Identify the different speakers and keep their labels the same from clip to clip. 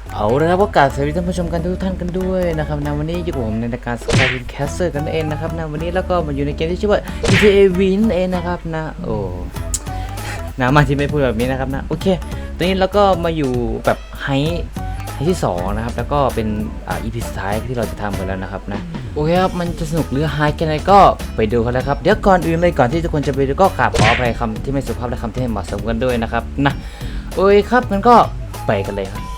Speaker 1: เอาละครับก็กราบสวัสดีท่านผู้ชมกันทุกท่านกันด้วยนะครับในวันนี้อยู่กับผมในรายการ Skyrim Caster กันเองนะครับในวันนี้แล้วก็มาอยู่ในเกมที่ชื่อว่า GTA V นั่นเองนะครับนะโอ้มาที่ไม่พูดแบบนี้นะครับนะโอเคตอนนี้เราก็มาอยู่แบบไฮที่2นะครับแล้วก็เป็นEP สุดท้ายที่เราจะทำกันแล้วนะครับนะโอเคครับมันจะสนุกหรือไฮแค่ไหนก็ไปดูกันแล้วครับเดี๋ยวก่อนอื่นเลยก่อนที่ทุกคนจะไปดูก็กราบขออภัยคำที่ไม่สุภาพและคำที่ไม่เหมาะสมกันด้วยนะครับนะโอเคครับงั้นก็ไปกันเลยครับ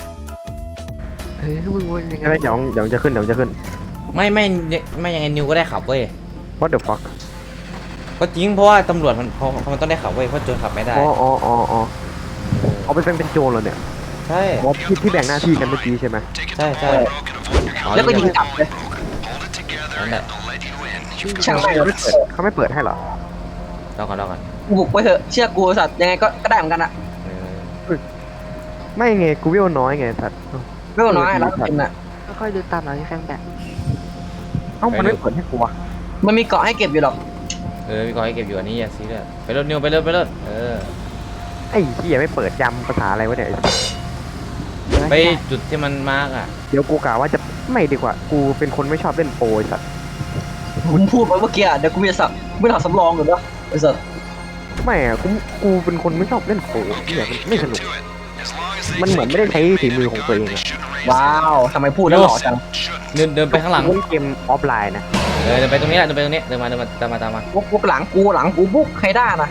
Speaker 2: มึงวนยังไง
Speaker 3: ไม่เดี๋ยวจะขึ้น
Speaker 1: ไม่ยังไงนิวก็ได้ขับเว้ย
Speaker 3: What the fuck
Speaker 1: ก็จริงเพราะว่าตำรวจมันเขาต้องได้ขับเว้ยเพราะโจรขับไม่ได้
Speaker 3: อ๋อเอาไปเป็นโจรเหรอเนี่ย
Speaker 1: ใช่
Speaker 3: ที่แบ่งหน้าที่กันเมื่อกี้ใช่ไหม
Speaker 1: ใช่
Speaker 2: แล้วก็ยิงกลับเลย
Speaker 1: นั่นแหละ
Speaker 2: ช่างแม่ง
Speaker 3: เขาไม่เปิดให้เหรอ
Speaker 1: รอก่อน
Speaker 2: กูบุกไปเถอะเชื่อกูสัตว์ยังไงก็ได้เหมือนกันอะ
Speaker 3: ไม่ไงกูวิวน้อยไงสัตว์
Speaker 2: ไม่ต้องน้อยแล้วกินอะ
Speaker 4: ค่อยๆดูตามหลังแฟงแบบ
Speaker 3: เอ้ามันไม่เปิดให้กูวะ
Speaker 2: มันมีเกาะให้เก็บอยู่หรอก
Speaker 1: พี่กอให้เก็บอยู่อันนี้อย่าซีเรียสไปรถนิวไปรถ
Speaker 3: ไอ้เหี้ยไม่เปิดยำภาษาอะไรวะเนี่ย
Speaker 1: ไปจุดที่มันมาร์กอ่ะ
Speaker 3: เดี๋ยวกูกล่าวว่าจะไม่ดีกว่ากูเป็นคนไม่ชอบเล่นโปรไอ้สัตว์
Speaker 2: ผมพูดไปเมื่อกี้อะเดี๋ยวกูจะสับไม่ทำสำรองหรือเปล่าไอ้สัตว์
Speaker 3: ไม่อะกูเป็นคนไม่ชอบเล่นโปรเนี่ยมันไม่สนุกมันเหมือนไม่ได้ใช้ฝีมือของตัวเองอะ
Speaker 2: ว้าวทำไมพูดแล้วหล่อจัง
Speaker 1: เดินไปข้างหลัง
Speaker 3: เล่นเกมออฟไลน์นะ
Speaker 1: เดินไปตรงนี้เดินมาตามมา
Speaker 2: บุกหลังกูบุกใครได้นะ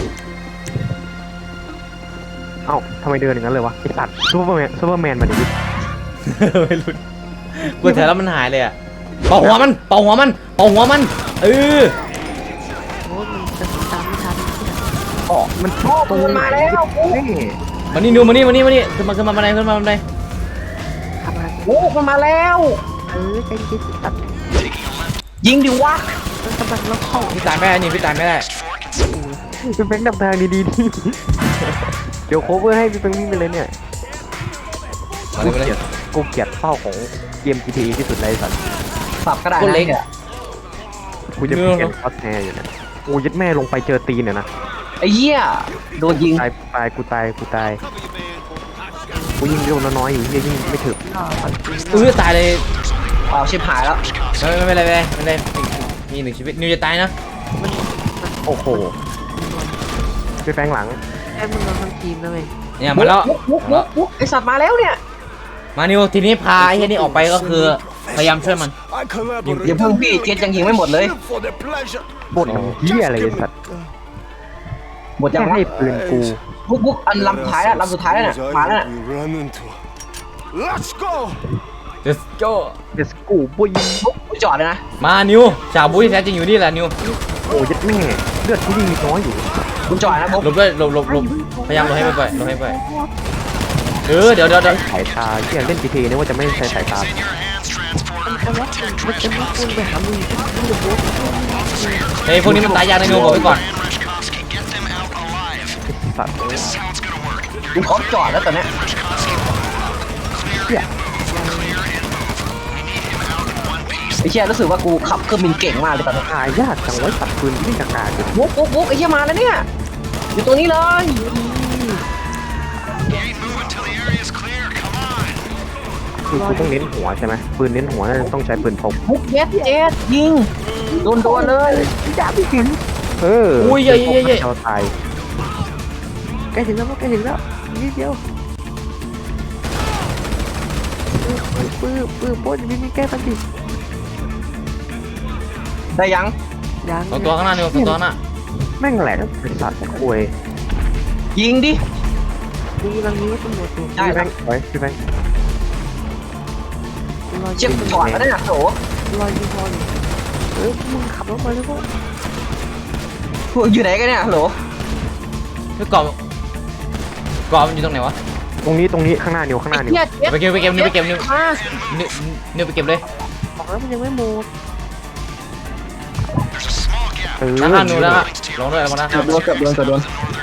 Speaker 3: เอ้าทำไมเดินอย่างนั้นเลยวะไอ้สัตว์ซูเปอร์แมนมาดิ
Speaker 1: ไม่รู้กูแถวแล้วมันหายเลยอ่ะเป่าหัวมันเออ
Speaker 4: โอ้มันจะตามไม่ทันเนี่ย
Speaker 3: อ๋อมัน
Speaker 2: โอ้ปืนมาแล้วกู
Speaker 3: นี่
Speaker 1: มานี่นิวมานี่ขึ้นมาบันได
Speaker 4: ทำอะไร
Speaker 2: โอ้มันมาแล้ว
Speaker 4: ใจเย็นตัด
Speaker 2: ยิงดิวะ
Speaker 4: มันกำลังล็อกเข้า
Speaker 1: พี่ตายไม่ได้นี่พี่ตายไม่ได้
Speaker 3: เป็นแบงค์นำทางดีๆที่เดี๋ยวโคเวอร์ให้พี่เป็นวิ่งไปเลยเนี่ย
Speaker 1: มาเลย
Speaker 3: กูเกลียดเป้าของเกม GTA ที่สุดเลยสัตว์
Speaker 2: สับก็ได้
Speaker 1: คน
Speaker 2: นะ
Speaker 1: เล็ก
Speaker 2: เนี่ย
Speaker 3: กูจะเปลี่ยนคอสแทร์อยู่เนี่ยโอ้ยัดแม่ลงไปเจอตีนเนี่ยนะ
Speaker 2: ไอ้เหี้ยโดนยิง
Speaker 3: กูตายกูยิงโดนน้อยๆอยู่เฮียยิงไม่ถึง
Speaker 1: ตายเลย
Speaker 2: อ้าวชิบหายแล้ว
Speaker 1: ไม่เป็นไรมี1ชีวิตนิวจะตายนะ
Speaker 3: โอ้โหไปแฟงหลัง
Speaker 4: ไอ้มึงเราทั้งทีมนะเว้ย
Speaker 1: เนี่ยมาแล้ว
Speaker 2: บุกไอสัตว์มาแล้วเนี่ย
Speaker 1: มานิวทีนี้พาไอ้เฮียนี่ออกไปก็คือพยายามช่วยมัน
Speaker 2: อย่าเพิ่งพี่เจ็ดยังยิงไม่หมดเลย
Speaker 3: บ่นเฮียอะไรไอ้สัตว์
Speaker 2: หมดยั
Speaker 3: แค่
Speaker 2: งวะ
Speaker 3: ให้ปืนกู
Speaker 2: บุกอันลำสุดท้ายแล้วลำสุดท้ายแล้วเนี่ยมาแล้วเนี่ย
Speaker 5: Let's go!
Speaker 1: Let's go
Speaker 3: เดสกูบุย
Speaker 2: บุกจอดเลยนะ
Speaker 1: มานิวชาวบุ้ยแท้จริงอยู่นี่แหละนิว
Speaker 3: โอ้ยัดแม่เลือดกูยิงน้อยอยู่
Speaker 2: บุกจอดนะบุก
Speaker 1: หลบด้วยหลบพยายามหลบให้ไปเดี๋ยว
Speaker 3: สายตาเฮียเล่น GTA เนี่ยว่าจะไม่ใช้สายตา
Speaker 4: มันจะล็อกมันจะล็อกคุณไปหามึงมึงจะโบ๊ท
Speaker 1: เฮ้ยพวกนี้มันตายยากนะนิวบอกไว้ก่อน
Speaker 3: สัตว์
Speaker 2: บุกเขาจอดแล้วตอนเนี้ยไอ้เชี่ยรู้สึกว่ากูขับเครื่องบินเก่งมากเลยตอนนี้
Speaker 3: หายากจังไว้สัตว์ปืนที่กากาอยู่
Speaker 2: บุกไอ้เชี่ยมาแล้วเนี่ยอยู่ตรงนี้เลย
Speaker 3: คือกูต้องเน้นหัวใช่ไหมปืนเน้นหัวน่าจะต้องใช้ปืนพก
Speaker 2: บุกเย็ดยิงโดนเลย
Speaker 3: เออ
Speaker 1: อุ้ยเย่
Speaker 3: เราตาย
Speaker 4: ใกล้ถึงแล้วนิดเดียวปืนโบ๊ทมีแก้ปัญหา
Speaker 2: ได้ยัง
Speaker 4: ยัง
Speaker 1: สองตัวข้างหน้านิวสองตัวหน้า
Speaker 3: แม่งแหลกไอ้สัตว์คุย
Speaker 2: ยิงดิ
Speaker 4: กูกำลังนี้ตำรวจตัว
Speaker 2: ได้
Speaker 3: พี่แบ
Speaker 2: แล้ว
Speaker 3: งค์ไว้พี่แบงค์
Speaker 2: เชี่ยจอดแล้วเนี่ยโห
Speaker 4: ลอยยิงพออยู่มึงขับรถไปแล้วก็
Speaker 2: พวกอยู่ไหนกันเนี่ยฮัลโหล
Speaker 1: คือกรอบมันอยู่ตรงไหนวะ
Speaker 3: ตรงนี้ข้างหน้านิวข้างหน้านิว
Speaker 2: เชี่ย
Speaker 1: ไปเก็บนิวไปเก็บเลย
Speaker 4: บอกแล้วมันยังไม่หมด
Speaker 1: ข้างนิวแล้วลงด้วยลงนะ
Speaker 2: เกือบโดน
Speaker 4: แกไม่ได้ล็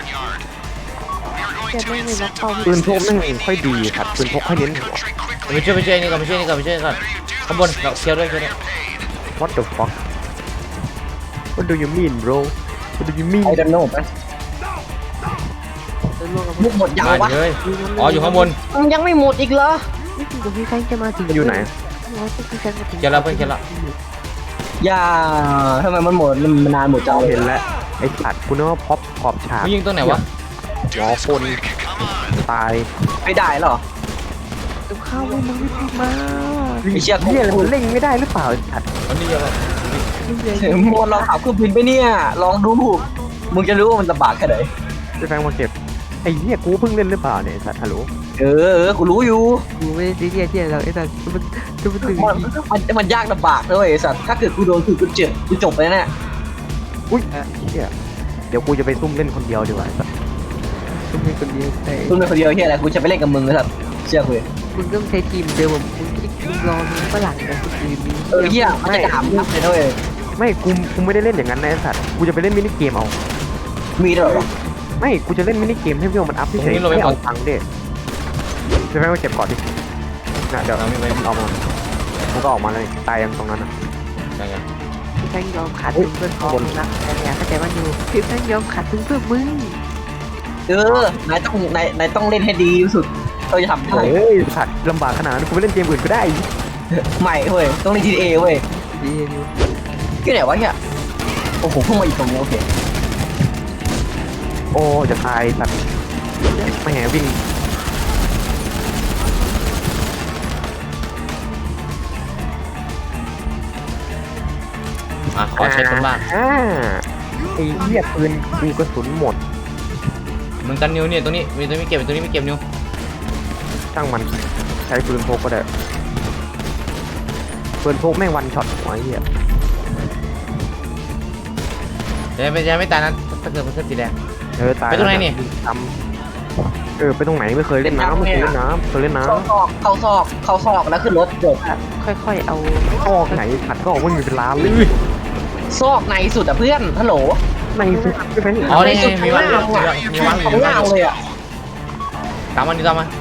Speaker 4: อกเป้า
Speaker 3: ปืนพกแม่งค่อยดีครับปืนพกค่อยเน้นหัว
Speaker 1: ไปช่วยนี่ก่อนข้างบนเราเคี้ยวด้วย
Speaker 3: What the fuck What do you mean bro What do you mean
Speaker 2: ไอ้ดันโน่ไป
Speaker 4: เำรวจกับ
Speaker 2: มุกหมดยัง
Speaker 1: บ้าน
Speaker 2: วะ
Speaker 1: เลยอ๋ออยู่ข้างบน
Speaker 2: มันยังไม่หมดอีกเหรอ
Speaker 4: นี่คือกับพี่แฟงจะมาถึง
Speaker 3: มันอยู่ไหน
Speaker 4: พี่แฟงมาถึง
Speaker 1: เจอแล้วเพื่อนเจอแล้ว
Speaker 2: อย่าทำไมมันหมดมันนานหมดจังเลย
Speaker 3: เห็นแล้วไอ้สัตว์กูนึกว่าพ็อปขอบฉาก
Speaker 1: มึงยิงตรงไหนวะ
Speaker 3: หมอคนตาย
Speaker 2: ไม่ได้เหรอ
Speaker 4: กับข้าวมึงไม่พูดมา
Speaker 2: ไอ้เชี่ย
Speaker 3: เฮียอะไรมันเล่งไม่ได้หรือเปล่าไอ้สัตว์
Speaker 1: อันนี้เยอะแล้ว
Speaker 2: มดลองขับเครื่องบินไปเนี่ยลองดูมึงจะรู้ว่ามันลำบากแค่ไหน
Speaker 3: ไปแฟงมาเก็บไอ้เหี้ยกูเพิ่งเล่นหรือเปล่าเนี่ยไอ้สัตว์ฮัลโหล
Speaker 2: กูรู้อยู่
Speaker 4: กูไม่ได้ซีเรียสที่เราไอ้สัตว์มันจะมันถึง
Speaker 2: มันยากลำบากด้วยไอ้สัตว์ถ้าเกิดกูโดนคือกูจบไปแน่
Speaker 3: อุ้ยเหี้ยเดี๋ยวกูจะไปซุ่มเล่นคนเดียวดีกว่าไอ้สัตว์
Speaker 4: มึงเป็นคนเดียวแต่
Speaker 2: คุณเป็นคนเดียวที่อะไรกูจะไปเล่นกับมึงไอ้สัตว์เชื่อกูเลย
Speaker 4: มึงต้องใช้ทีมเดิมมึงรอมึงฝรั่งกับคนอื่นนี้
Speaker 2: เฮียมันจะถามนับเลยด้วย
Speaker 3: ไม่กูไม่ได้เล่นอย่างนั้นนะไอ้สัตว์กูจะไปเล่นมินิเกมเอา
Speaker 2: มีด้วยเหรอ
Speaker 3: ไม่กูจะเล่นมินิเกมให้เพื่อนมันอัพเฉยๆไม่เอาตังค์เด้ไปแฟงมาเก็บก่อนดินะเดี๋ยว
Speaker 1: เราไม่ไป
Speaker 3: มันออกมามันก็ออกมาเลยตายยังตรงนั้นอ่ะ
Speaker 1: ยังไง
Speaker 4: พี่แฟงยอมขาดทุนเพื่อนพ้องนะแต่เนี่ยเข้าใจว่าอยู่พี่แฟงยอมขาดทุนเพื่อมึง
Speaker 2: นายต้องเล่นให้ดีที่สุดเราจะทำได้
Speaker 3: เฮ้ยสัตว์ลำบากขนาดนั้นกูไปเล่นเกมอื่นก็ได้
Speaker 2: ไม่เว้ยต้องเล่น GTA เว้ย
Speaker 4: ดีอยู่
Speaker 2: ที่ไหนวะเนี่ยโอ้โหเพิ่งมาอีกตรงนี้โอเค
Speaker 3: โอ้จะตายสัตว์ไม่แหวิ่ง
Speaker 1: ขอเช็คคนบ้าง
Speaker 3: ไอ้เหี้ยปืนกูกระสุนหมด
Speaker 1: มึงกันนิ้วเนี่ยตรงนี้มีตรงนี้ไม่เก็บตรงนี้ไม่เก็บนิ้ว
Speaker 3: ช่างมันใช้ปืนพกก็ได้ปืนพกแม่งวันช็อตหัวไอ้เหี้ย
Speaker 1: จะไม่ตายนะถ้าเกิดมันขึ้นสีแดง
Speaker 3: ตาย
Speaker 1: ไปตรงไหนนี่
Speaker 3: ทำไปตรงไหนไม่เคยเล่นน้ำไม่เคยเล่นน้ำเคยเล่นน้
Speaker 2: เข้าซอกแล้วขึ้นรถจบ
Speaker 4: ค่อยๆเอา
Speaker 3: ำออกไหนผัดก็ออกว่ามีเป็นล้านเลย
Speaker 2: ซอกในสุดอ่ะเพื่อนฮัลโหล
Speaker 3: ในสุดใช่ไหมนี่
Speaker 1: อ๋อนี่มีวางอยู่มีวางอยู่
Speaker 2: ข้างล่างเลยอ่ะ
Speaker 1: ตามมันนี่ตามมัน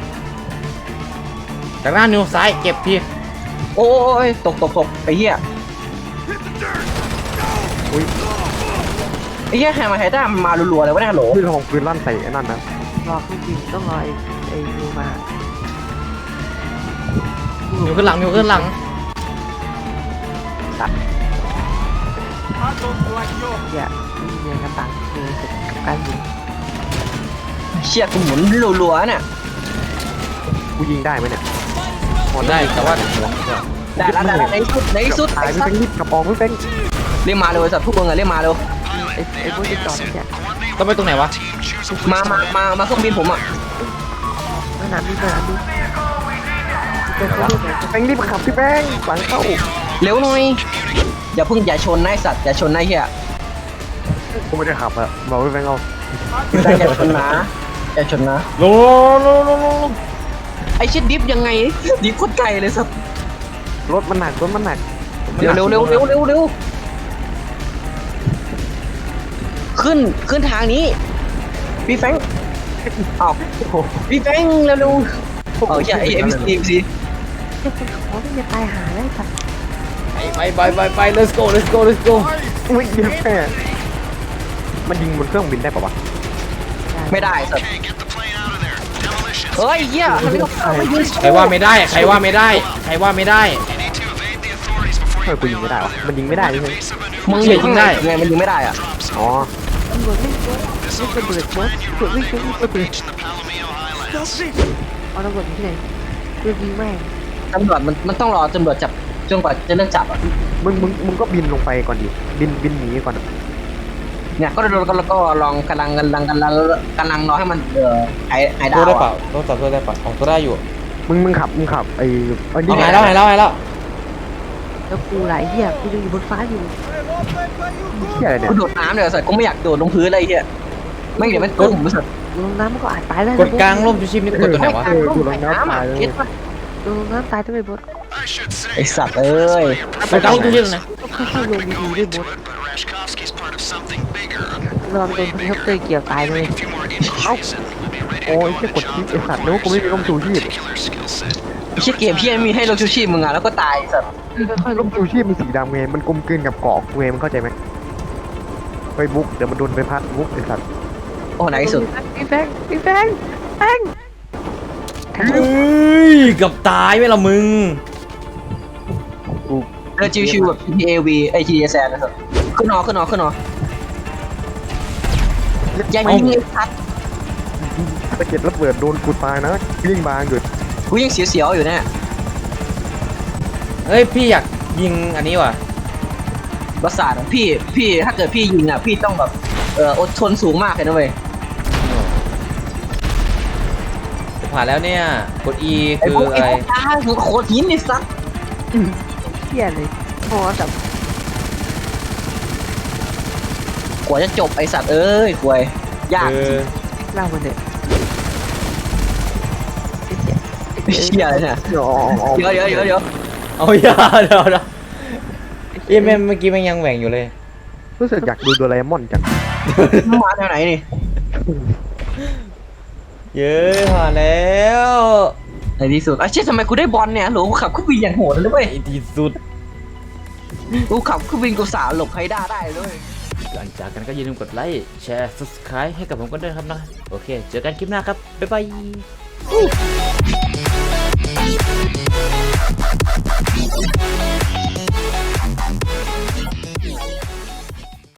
Speaker 1: จากหน้านิ้วซ้ายเก็บที
Speaker 2: โอ้ยตกไอ้เหี้ยไอ้เหี้ยแฮมมาไฮด้ามันมารัวๆเลยวะเนี่ยฮัลโหล
Speaker 3: ปืนของปืนลั่นใส่ไอ้นั่นนะ
Speaker 4: รอเครื่องบินต้องรอไอ้ยูมา
Speaker 1: นิ้วขึ้นหลังนิ้วขึ้นหลัง
Speaker 4: อย่ามีเงินกระตังเงินกับการยิง
Speaker 2: เชี่ยกูหมุนรัวๆเนี่ย
Speaker 3: กูยิงได้ไหมเนี่ย
Speaker 1: พอได้แต่ว่า
Speaker 2: ได้แล้วในสุด
Speaker 3: ตาย
Speaker 2: ไอ้
Speaker 3: ไม่
Speaker 2: สัต
Speaker 3: เป็น
Speaker 2: ว์
Speaker 3: รีบกระปองไม่เป็น
Speaker 2: เรียกมาเลยสัตว์ทุกคนอะเรียกมาเร็ว
Speaker 4: ไอ้พวกจะจอดเนี่ย
Speaker 1: ต้องไปตรงไหนวะ
Speaker 2: มาเครื่องบินผมอ่ะ
Speaker 4: มาน้ำดิมาน้ำดิจะเขาเรียกไง
Speaker 3: แป้งรีบขับพี่แป้งหลังเข้า
Speaker 2: เร็วหน่อยอย่าชนนายสัตว์อย่าชนนายเหี้ย
Speaker 3: กูไม่ได้ขับอะบอกพี่แป้งเอา
Speaker 2: อย่าชนนะอย่าชนนะ
Speaker 1: ลง
Speaker 2: ไอ้ชิดดิฟยังไงดิฟโคตรไกลเลยสัตว์
Speaker 3: รถมันหนัก
Speaker 2: เร็วขึ้นทางนี้พี่แฟงอ้าวพี่แฟงเร็วเอาใช่ไอ้ MC
Speaker 4: จะเป็นของที่จะตายหาได้สัตว์
Speaker 1: ไป let's go
Speaker 3: วิ่งเดียวแค่มันยิงบนเครื่องบินได้ปะวะ
Speaker 2: ไม่ได้สัตว์เฮ้ยเหี้ยทำไมต้องไม่ยิง
Speaker 1: ใครว่าไม่ได้ใครว่าไม่ได้
Speaker 3: เฮ้ยกูยิงไม่ได้วะมันยิงไม่ได้ใช่ไหม
Speaker 2: มึงยิงได้ไงมันยิงไม่ได้อ่ะ
Speaker 3: อ๋อ
Speaker 4: ตำรวจไม่ช่วยไม่ระเบิดบอสตำรวจไม่ช่วยไม่ระเบิดเอาตำรวจที่ไหนเรื่องยิงแม่ง
Speaker 2: ตำรวจมันต้องรอตำรวจจับจนกว่าจะเริ่มจับอ่ะ
Speaker 3: มึงก็บินลงไปก่อนดิบินหนีก่อน
Speaker 2: เนี่ยก็ลองกำลังรอให้มันหายดา
Speaker 1: ตัว
Speaker 2: ว
Speaker 1: ได้เปล่าต้องจับตัวได้เปล่าของตัวได้อยู่
Speaker 3: มึงขับไอ้
Speaker 1: หายแล้ว
Speaker 4: แล้วกูหลายเหี้ยกูยังอยู่บนฟ้าอยู่
Speaker 3: เหี้ยอะไรเนี่ย
Speaker 2: กูโดดน้ำเดี๋ยวสัตว์กูไม่อยากโดดลงพื้นอะไรเหี้ยไม่เดี๋ยวมันกุ้มสัตว์
Speaker 4: ลงน้ำมันก็อาจตายได้
Speaker 1: กดกลางร่มชูชีพนี่กดตัวไหนวะ
Speaker 2: กูลงน้ำอ่ะเก็ตป่ะ
Speaker 4: ลงน้ำตายต้องไปบด
Speaker 2: ไอสัตว์เอ้ย
Speaker 1: กดกลางร่มชูชีพตรงไหน
Speaker 4: ต้องค่อยๆลงดีๆด้วยบดรอไปโดนเฮลิคอปเตอร์เกี่ยวตายเลย
Speaker 3: โอ้ยแค่กดคลิปไอ้สัตว์นึกว่ากูไม่มีร่มชูชีพ
Speaker 2: ไอ้เชี่ยเกมพี่มีให้ลงชูชีพมึงอ่ะแล้วก็ตายสัตว์
Speaker 4: ค่อยๆล
Speaker 3: ร่
Speaker 4: ง
Speaker 3: มชูชีพมันสีดำไงมันกลมกลืนกับเกาะเวมันเข้าใจไหมไปบุ๊กเดี๋ยวมันโดนไปพัดบุ๊กไอ้สัตว์
Speaker 2: โออ้ไหนสุด
Speaker 4: พี่แฟงพี่แฟงแฟง
Speaker 1: เฮ้ยเกับตายไหมล่ะมึง
Speaker 2: เรือชิวๆแบบ TAV ไอ TSS นะครับขึ้นหออย่ายิงเลยครับ
Speaker 3: สะเก็ดระเบิดโดนกูตายนะยิ่งบางอยู่
Speaker 2: กูยังเสียวๆอยู่เนี่ย
Speaker 1: เฮ้ยพี่อยากยิงอันนี้ว่ะ
Speaker 2: ประสาทอะพี่ถ้าเกิดพี่ยิงอ่ะพี่ต้องแบบอดทนสูงมากเลยนะเว้ย
Speaker 1: จะผ่านแล้วเนี่ยกด E
Speaker 2: ไอ้
Speaker 1: คือ
Speaker 2: พวก
Speaker 1: อะไร
Speaker 2: ตาหัวโคตรหินนี่สัส
Speaker 4: เที่ยเลยโอ้กับ
Speaker 2: กว่าจะจบไอสัตว์เอ้ยกวยยาก
Speaker 4: เล่ามันเถอะ
Speaker 2: เชี่ยเลยเนี่ยเดี๋ยว
Speaker 1: เอาอย่าเดี๋ยวนะเอ้ยแม่เมื่อกี้มันยังแหว่งอยู่เลย
Speaker 3: รู้สึกอยากดูโดราเอมอนจัง
Speaker 2: มาแถวไหนนี่
Speaker 1: เย้ผ่านแล้ว
Speaker 2: ในที่สุดไอ้เชี่ยทำไมกูได้บอลเนี่ยโหลกูขับเครื่องบินอย่างโหดเลยเว้ย
Speaker 1: ในที่สุด
Speaker 2: กูขับเครื่องบินกูสาหลบไฮด้าได้เลย
Speaker 1: หลังจากกันก็อย่าลืมกดไลค์แชร์ subscribe ให้กับผมกันด้วยนะครับนะโอเคเจอกันคลิปหน้าครับบ๊ายบาย